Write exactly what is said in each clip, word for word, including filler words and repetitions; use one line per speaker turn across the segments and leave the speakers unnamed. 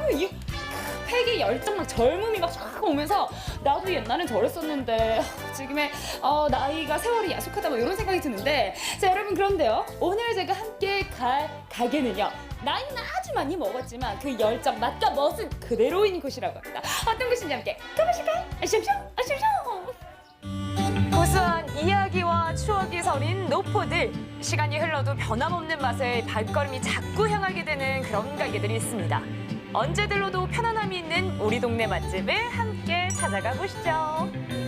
이 패기 열정 막 젊음이 막 쫙 오면서 나도 옛날엔 저랬었는데 지금의 어, 나이가 세월이 야속하다 뭐 이런 생각이 드는데 자 여러분 그런데요 오늘 제가 함께 갈 가게는요 나이는 아주 많이 먹었지만 그 열정 맛과 멋은 그대로인 곳이라고 합니다. 어떤 곳인지 함께 가보실까요? 아시오쇼 아시오쇼.
고소한 이야기와 추억이 서린 노포들. 시간이 흘러도 변함없는 맛에 발걸음이 자꾸 향하게 되는 그런 가게들이 있습니다. 언제 들러도 편안함이 있는 우리 동네 맛집을 함께 찾아가 보시죠.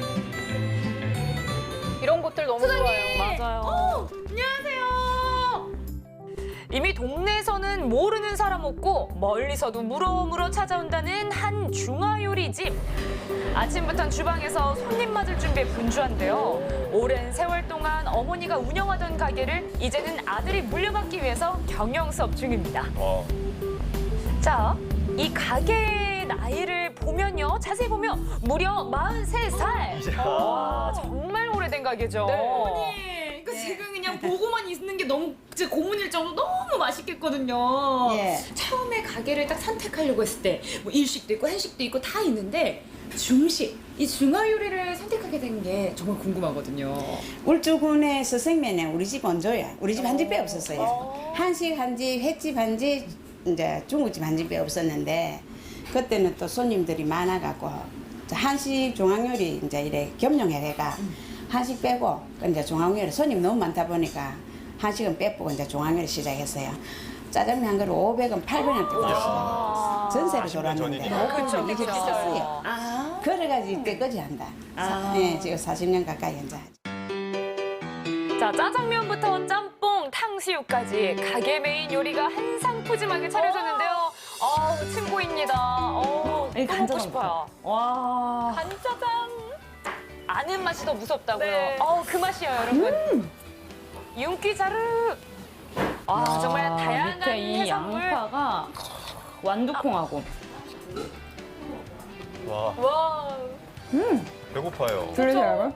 이런 곳들 너무
사장님!
좋아요.
맞아요.
어, 안녕하세요.
이미 동네에서는 모르는 사람 없고 멀리서도 물어물어 찾아온다는 한 중화요리집. 아침부터 주방에서 손님 맞을 준비에 분주한데요. 오랜 세월 동안 어머니가 운영하던 가게를 이제는 아들이 물려받기 위해서 경영 수업 중입니다.
어.
자, 이 가게의 나이를 보면요. 자세히 보면 무려 마흔세 살. 와, 정말 오래된 가게죠.
어머니, 이거 지금 그냥 보고만 있는 게 너무 진짜 고문일 정도로 너무 맛있겠거든요.
예.
처음에 가게를 딱 선택하려고 했을 때 뭐 일식도 있고 한식도 있고 다 있는데 중식, 이 중화 요리를 선택하게 된 게 정말 궁금하거든요.
울주군에서 생면에 우리 집 원조야. 우리 집 한 집밖에 없었어요. 한식 한 집, 횟집 한 집, 이제 중국집 한 집밖에 없었는데 그때는 또 손님들이 많아갖고 한식 중앙요리 이제 이래 겸용해가 한식 빼고 이제 중앙요리 손님 너무 많다 보니까 한식은 빼고 이제 중앙요리 시작했어요. 짜장면 한 그릇 오백 원, 팔백 원 뜯었어요. 전세로
사십 년
돌았는데
전이니까.
그쵸,
이게
그쵸.
비쌌어요.
아,
그래가지고 이때까지 한다.
아.
네, 지금 사십 년 가까이 현재.
자, 짜장면부터 짬뽕, 탕수육까지 가게 메인 요리가 한상 푸짐하게 차려졌는데요. 어우, 침 고입니다. 어우,
이
또 먹고
간짜장
싶어요.
와.
간짜장. 아는 맛이 더 무섭다고요.
네.
어우, 그 맛이에요, 여러분. 윤기 자르. 아, 정말 다양한
밑에 이
해산물.
양파가 완두콩하고.
와,
와.
배고파요.
들리세요, 여러분?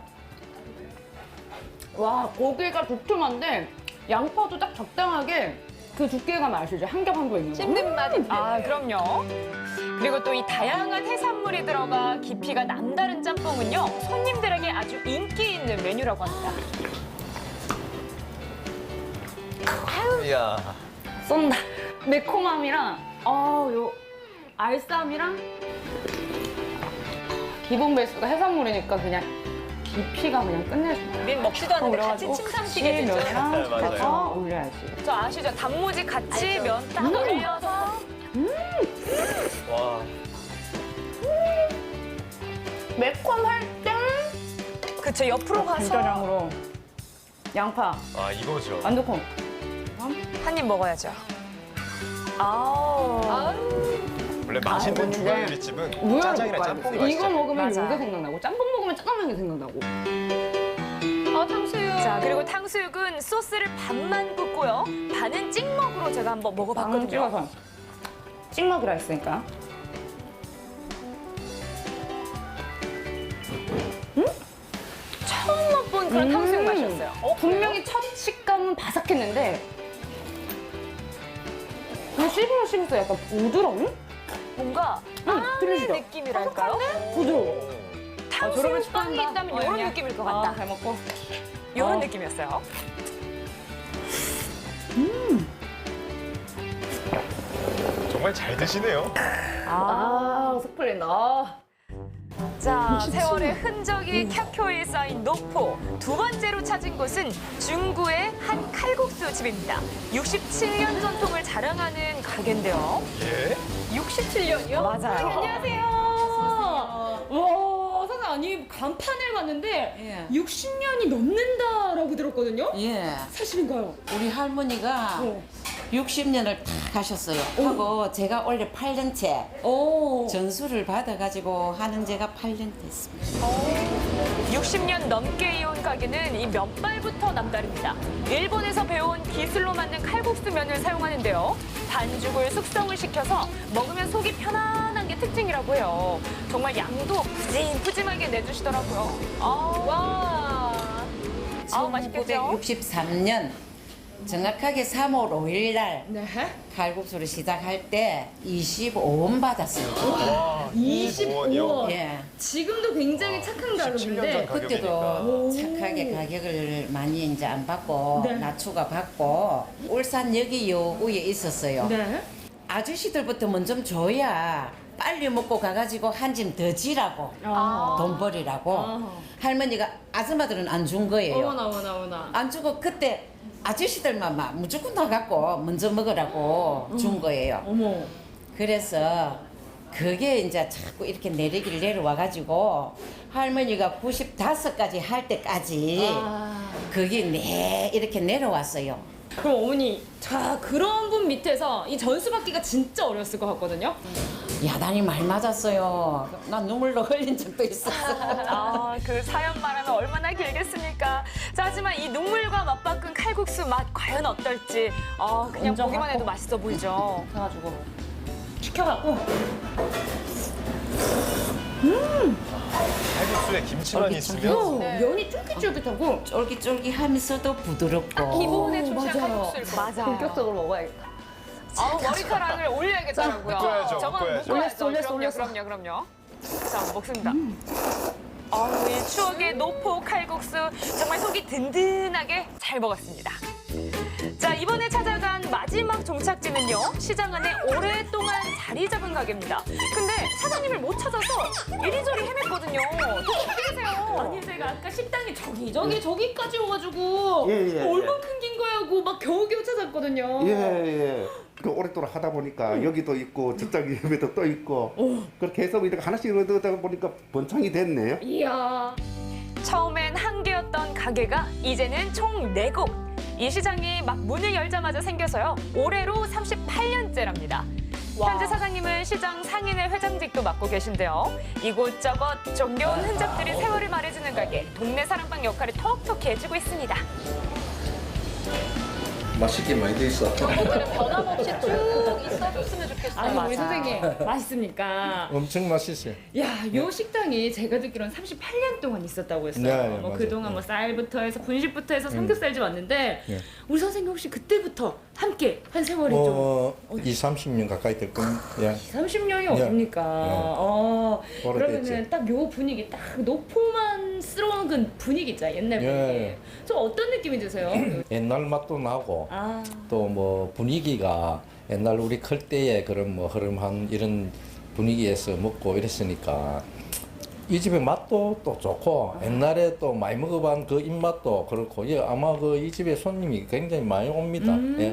와, 고기가 두툼한데 양파도 딱 적당하게 그 두께가 맛이죠. 한 겹 한 겹 있는 거.
씹는 맛이
아, 그럼요. 그리고 또 이 다양한 해산물이 들어가 깊이가 남다른 짬뽕은요, 손님들에게 아주 인기 있는 메뉴라고 합니다.
이야.
쏜다. 매콤함이랑 어, 요 알쌈이랑 기본 베이스가 해산물이니까 그냥 깊이가 그냥 끝내줘.
우린 먹지도 않는데 같이 침 삼키게 되죠.
면이랑
네, 맞아요.
같이 올려야지.
저 아시죠? 단무지 같이
알죠.
면 딱 올려서.
와.
매콤할 때
그쵸, 옆으로 가서
간짜장으로 양파,
아, 이거죠.
완두콩.
한 입 먹어야죠. 아우.
원래 맛있는
근데
중화요리집은
우열을
짜장이랑
못
짬뽕이
봐요. 이거
맛있죠.
먹으면
맞아요.
요게 생각나고 짬뽕 먹으면 짜장면이 생각나고.
아, 탕수육.
자, 그리고 탕수육은 소스를 반만 붓고요. 반은 찍먹으로 제가 한번
빵
먹어봤거든요.
찍어서 찍먹이라 했으니까.
처음 맛본 그런
음.
탕수육 맛이었어요.
어, 분명히 첫 식감은 바삭했는데 그 씹으면 씹을수록 약간 부드러운?
뭔가
응,
빵의
들리시죠?
느낌이랄까요?
부드러워.
탕수육
저러면
빵이
축하한다.
있다면
어,
이런
그냥.
느낌일 것
아,
같다.
잘 먹고.
이런
어.
느낌이었어요.
정말 잘 드시네요.
아, 속 풀린다. 아.
자, 세월의 흔적이 켜켜이 쌓인 노포. 두 번째로 찾은 곳은 중구의 한 칼국수 집입니다. 육십칠 년 전통을 자랑하는 가게인데요.
예.
육십칠 년이요?
맞아요.
안녕하세요. 와, 사장님, 아니, 간판을 봤는데
예.
육십 년이 넘는다라고 들었거든요?
예,
사실인가요?
우리 할머니가
어.
육십 년을 딱 가셨어요. 하고 제가 원래 팔 년째
오.
전수를 받아가지고 하는 제가 팔 년 됐습니다.
육십 년 넘게 이어온 가게는 이 면발부터 남다릅니다. 일본에서 배운 기술로 만든 칼국수 면을 사용하는데요. 반죽을 숙성을 시켜서 먹으면 속이 편안한 게 특징이라고 해요. 정말 양도 푸짐푸짐하게 내주시더라고요. 아, 와. 아우, 맛있겠죠?
천구백육십삼 년 정확하게 삼월 오일 날
네.
칼국수를 시작할 때 이십오 원 받았어요.
와,
이십오 원.
이십오
예.
지금도 굉장히 착한
십칠 년 전
가격인데
그때도
가격이니까.
착하게 가격을 많이 이제 안 받고
네.
낮추가 받고 울산역이요 위에 있었어요.
네.
아저씨들부터 먼저 줘야 빨리 먹고 가가지고 한 짐 더 지라고
아.
돈 버리라고
아.
할머니가 아줌마들은 안 준 거예요.
어머나 어머나 어머나.
안 주고 그때 아저씨들만 막 무조건 나갖고 먼저 먹으라고 준 거예요.
어머.
그래서 그게 이제 자꾸 이렇게 내리길 내려와가지고 할머니가 구십오까지 할 때까지
아.
그게 네 이렇게 내려왔어요.
그럼 어머니, 자 그런 분 밑에서 이 전수 받기가 진짜 어려웠을 것 같거든요.
야단이 많이 맞았어요. 난 눈물로 흘린 적도 있었어.
아, 그 사연 말하면 얼마나 길겠습니까? 자, 하지만 이 눈물과 맞바꾼 칼국수 맛 과연 어떨지 아, 그냥
인정하고.
보기만 해도 맛있어 보이죠.
그래가지고 시켜갖고
칼국수에 김치만 있으면
어, 면이 쫄깃쫄깃하고
쫄깃쫄깃하면서도 부드럽고.
기본에 충실한
맞아요.
칼국수일 것 같아요.
맞아요.
본격적으로 먹어야겠다.
아, 머리카락을 올려야겠더라고요.
묶어야죠,
저건
묶어야죠.
묶어야죠.
올렸어,
그럼요,
올렸어.
그럼요, 그럼요. 자, 먹습니다. 아우, 이 추억의 노포 칼국수 정말 속이 든든하게 잘 먹었습니다. 자, 이번에 찾아간 마지막 종착지는요. 시장 안에 오랫동안 자리 잡은 가게입니다. 근데 사장님을 못 찾아서 이리저리 헤맸거든요. 또 어디 계세요?
아니 제가 아까 식당이 저기 저기 저기까지 오가지고
예, 예, 예.
얼마큼 긴 거야 하고 막 겨우겨우 찾았거든요.
예, 예. 그 오랫동안 하다 보니까 여기도 있고 저쪽 옆에도 또 있고 그렇게 해서 이렇게 하나씩 얻어다 보니까 번창이 됐네요.
이야.
처음엔 한 개였던 가게가 이제는 총 네 곳. 이 시장이 막 문을 열자마자 생겨서요. 올해로 삼십팔 년째랍니다. 현재 사장님은 시장 상인회 회장직도 맡고 계신데요. 이곳저곳 정겨운 흔적들이 세월을 말해주는 가게, 동네 사랑방 역할을 톡톡히 해주고 있습니다.
맛있게 많이 돼 있어.
오늘은 변함없이 쭉 있어줬으면 좋겠어요.
아니 우리
맞아.
선생님 맛있습니까?
엄청 맛있어요.
야, 요 식당이 제가 듣기로는 삼십팔 년 동안 있었다고 했어요.
네, 네,
뭐
맞아요.
그동안 뭐 쌀부터 해서 분식부터 해서 삼겹살집 왔는데
네.
우리 선생님 혹시 그때부터 함께 한 세월이 좀
어, 이, 삼십 년 가까이 될 겁니다. 예.
삼십 년이
네.
어딥니까? 어,
오래됐지.
그러면은 딱 요 분위기, 딱 노포만스러운 그 분위기 있잖아요. 옛날 분위기.
예.
좀 어떤 느낌이 드세요?
옛날 맛도 나고
아,
또 뭐 분위기가 옛날 우리 클 때의 그런 뭐 흐름한 이런 분위기에서 먹고 이랬으니까 이 집의 맛도 또 좋고 옛날에 또 많이 먹어본 그 입맛도 그렇고 예, 아마 그 이 집의 손님이 굉장히 많이 옵니다. 예.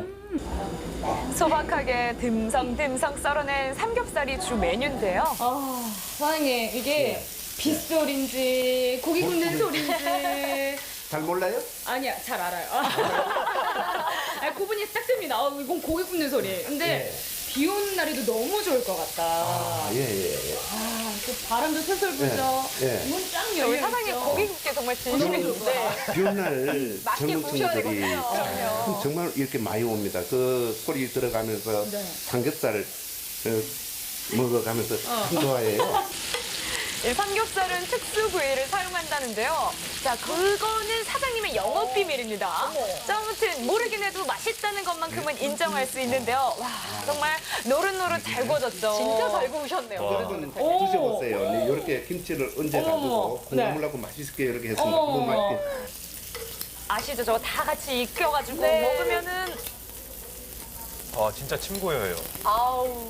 소박하게 듬성듬성 썰어낸 삼겹살이 주 메뉴인데요.
아, 사장님 이게 빗소리인지 고기 굽는 소리인지
잘 몰라요?
아니야, 잘 알아요. 아, 구분이 딱 됩니다. 아, 이건 고기 굽는 소리. 근데 비 오는 날에도 너무 좋을 것 같다.
아, 예, 예, 예.
아, 그 바람도 솔솔 불죠.
예, 예.
문 쫙
우리
열려
사장님
있죠.
고기 굽게 정말 진심인데.
비온 날
맛있게
젊은
구우셔야
친구들이
되거든요.
참 정말 이렇게 많이 옵니다. 그 소리 들어가면서
네.
삼겹살을 어, 먹어가면서 참 좋아해요.
이 삼겹살은 특수 부위를 사용한다는데요. 자, 그거는 사장님의 영업 비밀입니다. 자, 아무튼 모르긴 해도 맛있다는 것만큼은 인정할 수 있는데요. 와, 정말 노릇노릇 잘 구워졌죠.
진짜 잘 구우셨네요.
한번
오.
드셔보세요. 네, 이렇게 김치를 얹어가지고
어머. 네.
국물하고 맛있게 이렇게 했습니다.
어머,
너무
어머.
맛있게.
아시죠? 저거 다 같이 익혀가지고
네.
먹으면은
아 진짜 침 고여요.
아우.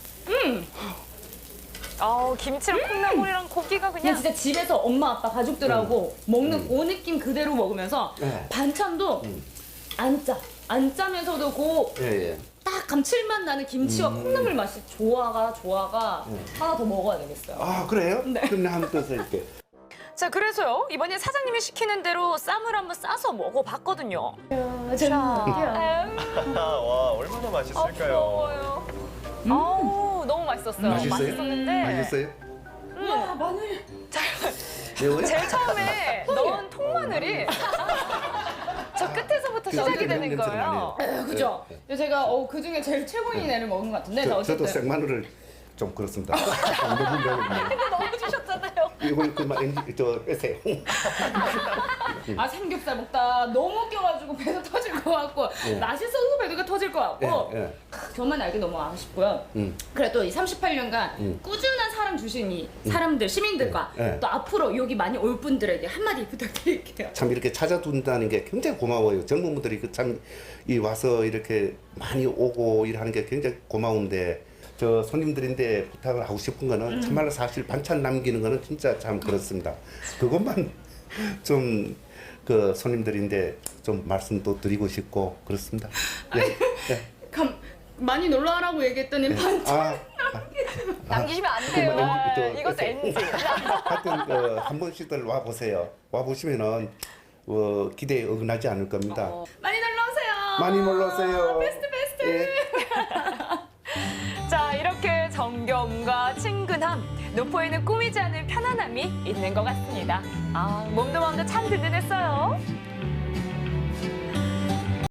아우 김치랑 콩나물이랑 고기가
그냥
그냥
진짜 집에서 엄마 아빠 가족들하고 먹는 그 느낌 그대로 먹으면서
네.
반찬도 안 짜. 안 짜면서도 그
예, 예.
딱 감칠맛 나는 김치와 콩나물 맛이 조화가 조화가 하나 더 먹어야 되겠어요.
아, 그래요?
네.
그럼 나 한번 떠서 이렇게.
자 그래서요 이번에 사장님이 시키는 대로 쌈을 한번 싸서 먹어봤거든요.
자,
와 얼마나 맛있을까요?
부러워요. 아우 너무 맛있었어요.
맛있어요?
맛있었는데
맛있어요?
와, 마늘.
매워요?
제일 처음에 넣은 통마늘이 저 끝에서부터
그
시작이
냄새
되는
냄새가
거예요.
나네요.
그죠? 제가 어, 그 중에 제일 최고인 애를 먹은 것 같은데. 자,
저, 저도
어쨌든.
생마늘을 좀 그렇습니다. 안 먹으려고.
근데 넣어주셨잖아요.
이거 그만 엔지 저 빼세요.
아 삼겹살 먹다 너무 웃겨가지고 배가 터질 것 같고
예.
맛있어서 배가 터질 것 같고
예, 예.
저만 알기 너무 아쉽고요.
음.
그래도 이 삼십팔 년간
음.
꾸준한 사람 주신 이 사람들 시민들과
예, 예.
또 앞으로 여기 많이 올 분들에게 한마디 부탁드릴게요.
참 이렇게 찾아준다는 게 굉장히 고마워요. 젊은 분들이 그 참 이 와서 이렇게 많이 오고 일하는 게 굉장히 고마운데 저 손님들인데 부탁을 하고 싶은 거는 참말로 사실 반찬 남기는 거는 진짜 참 그렇습니다. 그것만 좀 그 손님들인데 좀 말씀도 드리고 싶고 그렇습니다. 예, 예.
감, 많이 놀러 와라고 얘기했더니 반찬
아,
남기시면 안
그
돼요.
뭐,
아,
저,
이것도
저,
엔지.
하여튼 그, 한 번씩들 와 보세요. 와 보시면은 어, 기대에 어긋나지 않을 겁니다.
많이 놀러 오세요.
많이 놀러 오세요.
베스트 베스트.
예.
자, 이렇게 정겨움과 친근함, 노포에는 꾸미지 않은 편안함이 있는 것 같습니다. 아, 몸도 마음도 참 든든했어요.